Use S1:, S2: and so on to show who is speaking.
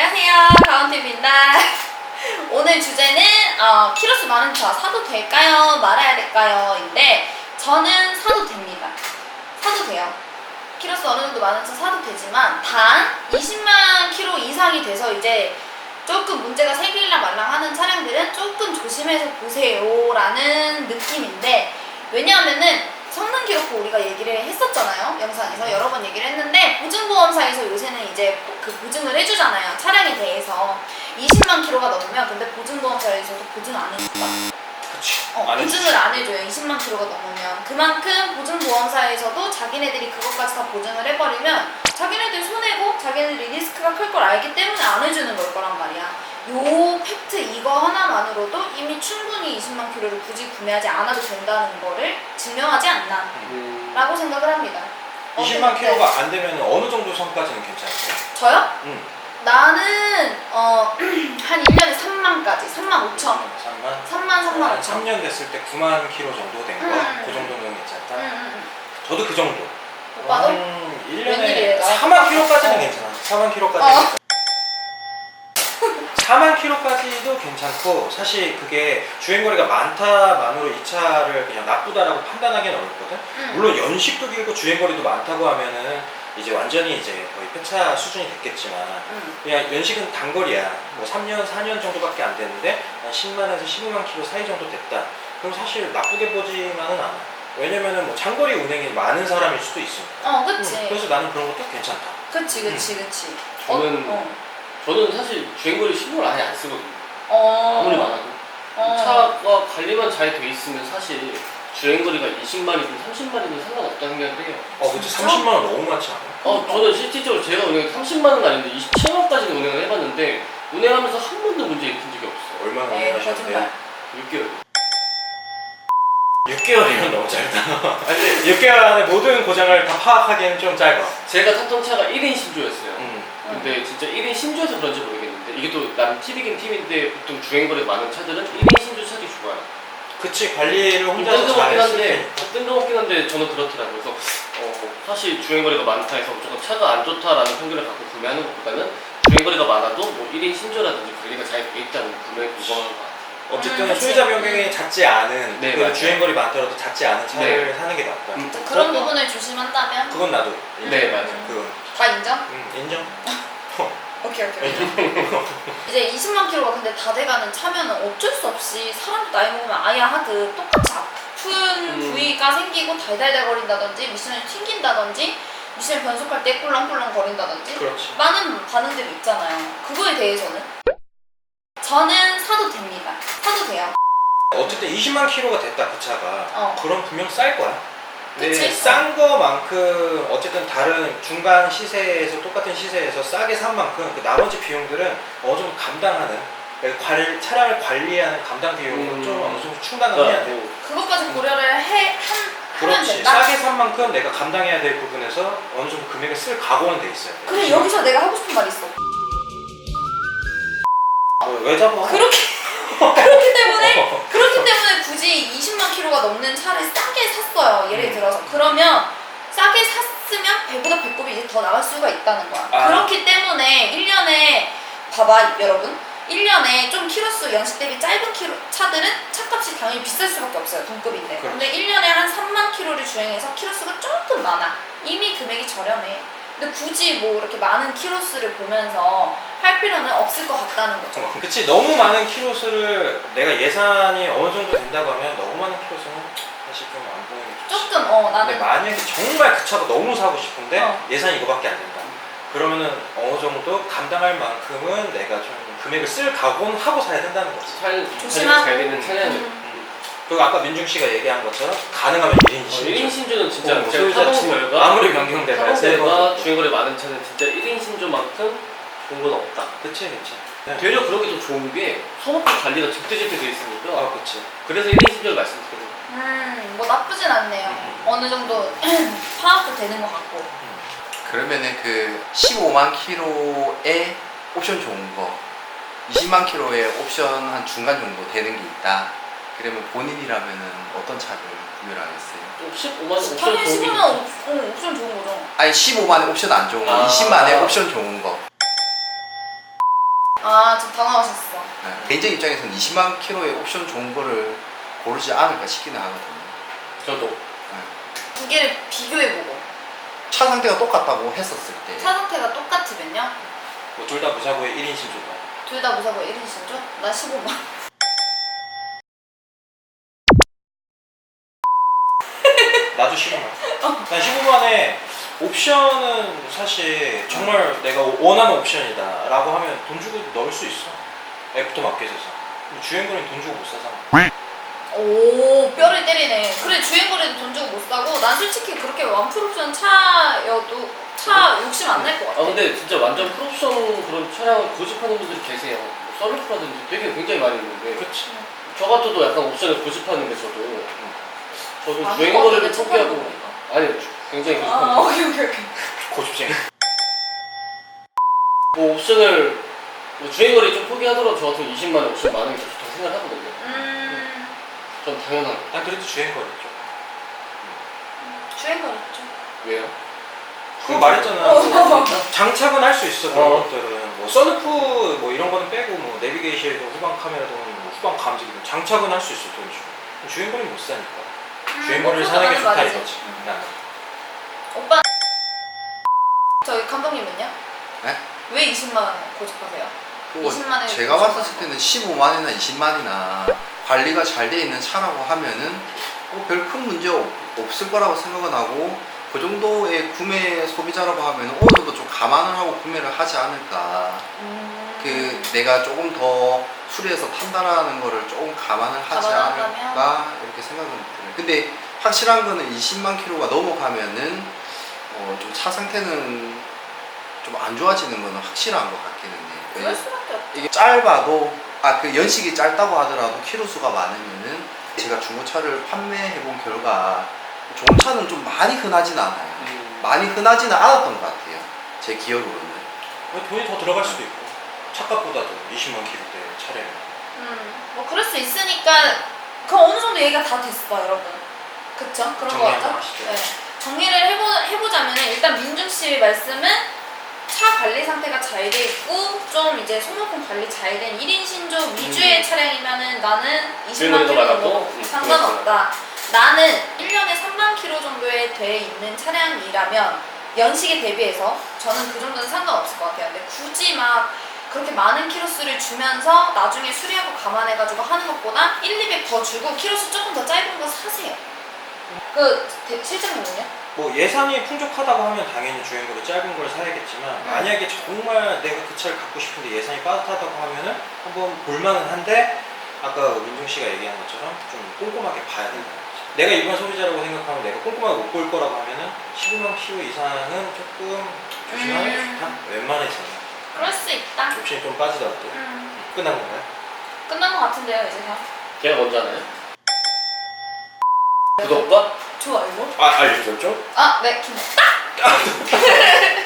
S1: 안녕하세요, 가온TV입니다. 오늘 주제는 키로수 많은 차 사도 될까요? 말아야 될까요? 인데 저는 사도 됩니다. 사도 돼요. 키로수 어느 정도 많은 차 사도 되지만 단 20만 키로 이상이 돼서 이제 조금 문제가 생길랑 말랑 하는 차량들은 조금 조심해서 보세요 라는 느낌인데, 왜냐하면은 성능 기록부 우리가 얘기를 했었잖아요. 영상에서 여러 번 얘기를 했는데, 보증보험사에서 요새는 이제 그 보증을 해주잖아요. 차량에 대해서 20만 킬로가 넘으면. 근데 보증보험사에서도 보증을 안 해준다.
S2: 그치.
S1: 보증을 안 해줘요. 20만 킬로가 넘으면. 그만큼 보증보험사에서도 자기네들이 그것까지 다 보증을 해버리면 자기네들 손해고 자기네들이 리스크가 클 걸 알기 때문에 안 해주는 걸 거란 말이야. 요 팩트 이거 하나만으로도 이미 충분히 20만 킬로를 굳이 구매하지 않아도 된다는 거를 증명하지 않나 라고 생각을 합니다.
S2: 20만 킬로가 안 되면 어느 정도 선까지는 괜찮아요?
S1: 저요?
S2: 응.
S1: 나는 한 1년에 3만까지 3만 5천 3만 5천
S2: 3년 됐을 때 9만 킬로 정도 된 거? 그 정도는 괜찮다? 저도 그 정도.
S1: 오빠도?
S2: 한 1년에
S1: 웬일이에요?
S2: 4만 킬로까지는 괜찮아. 4만 킬로까지는 4만 킬로까지도 괜찮고, 사실 그게 주행거리가 많다만으로 이 차를 그냥 나쁘다라고 판단하기는 어렵거든. 물론 연식도 길고 주행거리도 많다고 하면은 이제 완전히 이제 거의 폐차 수준이 됐겠지만, 그냥 연식은 단거리야. 뭐 3년, 4년 정도밖에 안 됐는데 한 10만에서 15만 킬로 사이 정도 됐다. 그럼 사실 나쁘게 보지만은 않아. 왜냐면은 뭐 장거리 운행이 많은 사람일 수도 있으니까.
S1: 그치.
S2: 그래서 나는 그런 것도 괜찮다.
S1: 그치.
S3: 저는 사실 주행거리 신고를 아예 안 쓰거든요. 아무리 많아도. 차가 관리만 잘 돼 있으면 사실 주행거리가 20마리든 30마리든 상관없다는 생각을 해요.
S2: 그치. 30만 원 너무 많지 않아?
S3: 저는 실질적으로 제가 운행 30만은 아닌데 27만까지는 운행을 해봤는데, 운행하면서 한 번도 문제 일으킨 적이 없어요.
S2: 얼마나 운행하셨는데요?
S3: 6개월.
S2: 6개월이면 너무 짧다. 아니, 6개월 안에 모든 고장을 다 파악하기에는 좀 짧아.
S3: 제가 탔던 차가 1인 신조였어요. 근데 진짜 1인 신조여서 그런지 모르겠는데, 이게 또 남 팁이긴 팁인데 보통 주행거리 많은 차들은 1인 신조 차들이 좋아요.
S2: 그치, 관리를 혼자서
S3: 뜬금없긴
S2: 잘했을
S3: 한데, 뜬금없긴 한데 저는 그렇더라고요. 그래서 사실 주행거리가 많다 해서 무조건 차가 안 좋다라는 편견을 갖고 구매하는 것보다는 주행거리가 많아도 뭐 1인 신조라든지 관리가 잘 돼 있다는 구매에 무방한 것 같아요.
S2: 어쨌든 소유자 변경이 잦지 않은,
S3: 네,
S2: 그 주행거리 많더라도 잦지 않은 차를 사는 게 낫다.
S1: 그런 부분을 조심한다면
S2: 그건 나도.
S3: 네, 맞아요.
S2: 그건.
S1: 다 인정?
S2: 인정.
S1: 오케이. 이제 20만 킬로가 근데 다 돼가는 차면은 어쩔 수 없이 사람도 나이 먹으면 아야 하듯 똑같이 아픈 부위가 생기고 달달달거린다든지 미션을 튕긴다든지 미션 변속할 때 꿀렁꿀렁 거린다든지
S2: 그렇지.
S1: 많은 반응들이 있잖아요. 그거에 대해서는 저는 사도 됩니다. 사도 돼요.
S2: 어쨌든 20만 킬로가 됐다, 그 차가. 그럼 분명 쌀 거야. 근데
S1: 그치?
S2: 싼 거만큼 어쨌든 다른 중간 시세에서 똑같은 시세에서 싸게 산 만큼 그 나머지 비용들은 어느 정도 감당하는, 그러니까 차량을 관리하는 감당 비용은 좀 어느 정도 충당을 해야 돼.
S1: 그것까지 고려를 하면
S2: 그렇지.
S1: 된다?
S2: 싸게 산 만큼 내가 감당해야 될 부분에서 어느 정도 금액을 쓸 각오는 돼 있어요.
S1: 그래, 여기서 내가 하고 싶은 말이 있어.
S2: 왜 잡아?
S1: 그렇기 때문에 굳이 20만 킬로가 넘는 차를 싸게 샀어요. 예를 들어서. 그러면 싸게 샀으면 배보다 배꼽이 이제 더 나갈 수가 있다는 거야. 그렇기 때문에 1년에 봐봐 여러분. 1년에 좀 키로수 연식 대비 짧은 차들은 차값이 당연히 비쌀 수밖에 없어요. 동급인데. 근데 1년에 한 3만 킬로를 주행해서 키로수가 조금 많아. 이미 금액이 저렴해. 근데 굳이 뭐 이렇게 많은 키로수를 보면서 할 필요는 없을 것 같다는 거죠.
S2: 그치. 너무 많은 키로수를 내가 예산이 어느 정도 된다고 하면 너무 많은 키로수는 사실 좀 안 보이는 게 좋지.
S1: 조금
S2: 근데
S1: 나는
S2: 만약에 정말 그 차가 너무 사고 싶은데 예산이 이거밖에 안 된다.
S1: 음.
S2: 그러면은 어느 정도 감당할 만큼은 내가 좀 금액을 쓸 각오는 하고 사야 된다는 거지.
S1: 조심하고.
S3: 잘 되는 차량을.
S2: 그리고 아까 민중 씨가 얘기한 것처럼 가능하면 1인 신조.
S3: 1인 신조는 진짜 제가
S2: 소유자
S3: 타본
S2: 측
S3: 결과
S2: 아무리 변경돼봐야
S3: 타본가 주행거리 많은 차는 진짜 1인 신조만큼 좋은 건 없다.
S2: 그치. 네.
S3: 되려 그런 게 더 좋은 게 소모품 관리가 제때제때 돼 있으니까.
S2: 그치.
S3: 그래서 1인 신조를 말씀드리는
S1: 뭐 나쁘진 않네요. 어느 정도 파악도 되는 것 같고.
S4: 그러면은 그 15만 킬로에 옵션 좋은 거, 20만 킬로에 옵션 한 중간 정도 되는 게 있다. 그러면 본인이라면은 어떤 차를 구매를 하겠어요?
S3: 좀 15만 원 옵션
S1: 당연히
S3: 좋은 게
S1: 15만 옵션 좋은 거죠.
S4: 아니 15만에 옵션 안 좋은 거, 20만에 옵션 좋은 거.
S1: 아, 좀 당황하셨어.
S4: 개인적 입장에서는 20만 킬로의 옵션 좋은 거를 고르지 않을까 싶기는 하거든요.
S3: 저도.
S1: 두 개를 비교해보고.
S4: 차 상태가 똑같다고 했었을 때
S1: 차 상태가 똑같으면요?
S2: 뭐 둘 다 무사고에 1인 신조가.
S1: 둘 다 무사고 1인 신조? 나 15만.
S2: 나도 15만. 난 15만에 옵션은 사실 정말 내가 원하는 옵션이다라고 하면 돈 주고 넣을 수 있어. 애프터 마켓에서. 주행거리는 돈 주고 못 사잖아.
S1: 오, 뼈를 때리네. 그래, 주행거리도 돈 주고 못 사고, 난 솔직히 그렇게 완풀옵션 차여도 차 욕심 안 날 것 같아.
S3: 아 근데 진짜 완전 풀옵션 그런 차량을 고집하는 분들이 계세요. 뭐 썬루프라든지 되게 굉장히 많이 있는데
S2: 그렇지.
S3: 저 같아도 약간 옵션을 고집하는데 저도
S1: 아,
S3: 주행거리를
S1: 그거
S3: 포기하고
S1: 보니까.
S3: 아니 굉장히
S1: 아,
S3: 고집하는
S1: 오케이.
S2: 고집쟁이.
S3: 뭐 옵션을 뭐 주행거리 좀 포기하더라도 저 같은 20만 원 옵션 많은 게 더 좋다고 생각을 하거든요. 전 당연한
S2: 난 그래도 주행거리 죠.
S1: 주행거리 좀.
S3: 왜요?
S2: 그 말했잖아. 장착은 할 수 있어. 그런
S3: 어.
S2: 것들은 뭐 선루프 뭐 이런 거는 빼고 뭐 내비게이션이든 후방 카메라든 뭐 후방 감지기든 장착은 할 수 있어. 돈 주고. 주행거리는 못 사니까. 주행거리를
S1: 뭐
S2: 사는 게
S1: 그거
S2: 좋다
S1: 맞는
S2: 이거지.
S1: 말이지.
S2: 나는.
S1: 오빠, 저희 감독님은요?
S4: 네?
S1: 왜 20만 원 고집하세요?
S4: 그거
S1: 20만 원에
S4: 제가 봤을 때는 15만이나 20만이나 관리가 잘 돼 있는 차라고 하면은 별 큰 문제 없을 거라고 생각은 하고 그 정도의 구매 소비자라고 하면 어느 정도 좀 감안을 하고 구매를 하지 않을까. 그 내가 조금 더 수리해서 탄다라는 거를 조금 감안을 하지
S1: 감안한다면?
S4: 않을까 이렇게 생각은 들어요. 근데 확실한 거는 20만 킬로가 넘어가면은 좀 차 상태는 좀 안 좋아지는 거는 확실한 것 같기는 해요.
S1: 그럴 수밖에 없죠.
S4: 이게 짧아도 그 연식이 짧다고 하더라도 키로수가 많으면은 제가 중고차를 판매해 본 결과 좋은 차는 좀 많이 흔하진 않아요. 많이 흔하지는 않았던 것 같아요. 제 기억으로는.
S2: 돈이 더 들어갈 수도 있고. 차값보다도 20만 킬로대 차량.
S1: 뭐 그럴 수 있으니까 그 어느 정도 얘기가 다 됐어, 여러분. 그쵸? 그런 거
S2: 정리한 거
S1: 같죠?
S2: 아시죠?
S1: 네. 정리를 해보자면 일단 민중 씨 말씀은 차 관리 상태가 잘 돼 있고 좀 이제 소모품 관리 잘 된 1인 신조 위주의 차량이면은 나는 20만
S3: 주행거리도
S1: 킬로도
S3: 많았고,
S1: 상관없다. 나는 1년에 3만 킬로 정도에 돼 있는 차량이라면 연식에 대비해서 저는 그 정도는 상관없을 것 같아요. 근데 굳이 막 그렇게 많은 키로수를 주면서 나중에 수리하고 감안해가지고 하는 것보다 1, 200 더 주고 키로수 조금 더 짧은 거 사세요. 실장님은요?
S2: 뭐 예산이 풍족하다고 하면 당연히 주행거리 짧은 걸 사야겠지만 만약에 정말 내가 그 차를 갖고 싶은데 예산이 빠듯하다고 하면은 한번 볼만은 한데 아까 민중 씨가 얘기한 것처럼 좀 꼼꼼하게 봐야 된다는 거지. 내가 일반 소비자라고 생각하면 내가 꼼꼼하게 못 볼 거라고 하면은 15만 킬로 이상은 조금 조심하는 게 좋다. 웬만해서는.
S1: 그럴 수 있다.
S2: 옵션이 좀 빠지더라도. 끝난 건가요?
S1: 끝난 것 같은데요, 이제 다.
S3: 걔가 먼저 하나요? 구독과
S1: 좋아요.
S2: 알려줬죠?
S1: 아, 네, 김.